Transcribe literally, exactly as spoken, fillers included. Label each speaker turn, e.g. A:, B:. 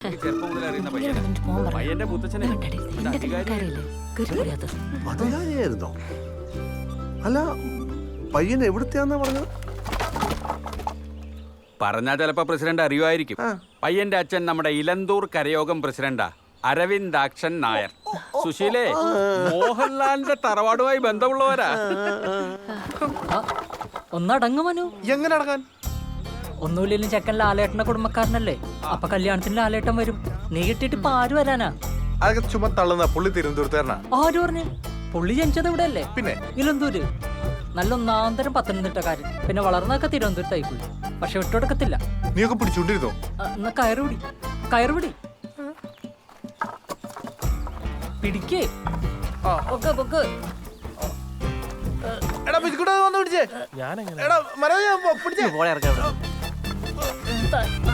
A: എനിക്ക് ചെറുപ്പം മുതൽ അറിയുന്ന പയ്യനാ. പയ്യന്റെ മുത്തച്ഛനെ
B: അധികാരിയായിരുന്നോ? അല്ല, പയ്യൻ എവിടുത്തെയാന്നാ പറഞ്ഞത്?
A: പറഞ്ഞാ ചിലപ്പോ പ്രസിഡന്റ് അറിയുമായിരിക്കും. പയ്യന്റെ അച്ഛൻ നമ്മുടെ ഇലന്തൂർ കരയോഗം പ്രസിഡന്റാ, അരവിന്ദാക്ഷൻ നായർ. സുശീലേ, മോഹൻലാലിന്റെ തറവാടുമായി ബന്ധമുള്ളവരാ.
C: ഒന്നടങ്ങു മനു.
B: എങ്ങനെ അടങ്ങാൻ?
C: ഒന്നുമില്ലെങ്കിലും ചെക്കൻ ലാലേട്ടന്റെ കുടുംബക്കാരനല്ലേ, അപ്പൊ കല്യാണത്തിന് ലാലേട്ടൻ വരും. നീ കിട്ടിയിട്ട് ഇപ്പൊ ആര് വരാനാ?
B: അതൊക്കെ ചുമ തള്ളുന്ന പുള്ളി തിരുവനന്തപുരത്തുകാരനാ.
C: ആര് പറഞ്ഞു? പുള്ളി ജനിച്ചത് ഇവിടെ അല്ലേ?
B: പിന്നെ
C: ഇലന്തൂര്. നല്ല ഒന്നാന്തരം പത്തനംതിട്ടക്കാരൻ. പിന്നെ വളർന്നൊക്കെ തിരുവനന്തപുരത്തായി പോയി. പക്ഷെ വിട്ടുകൊടുക്കത്തില്ല.
B: നീയൊക്കെ പിടിച്ചോണ്ടിരുന്നോ?
C: എന്നാ കയറുപിടി, കയറുപിടി, പിടിക്കേ. പൊക്ക് പൊക്ക്.
B: എടാ പിടിച്ചേ. എടാ മരം പിടിച്ചേ.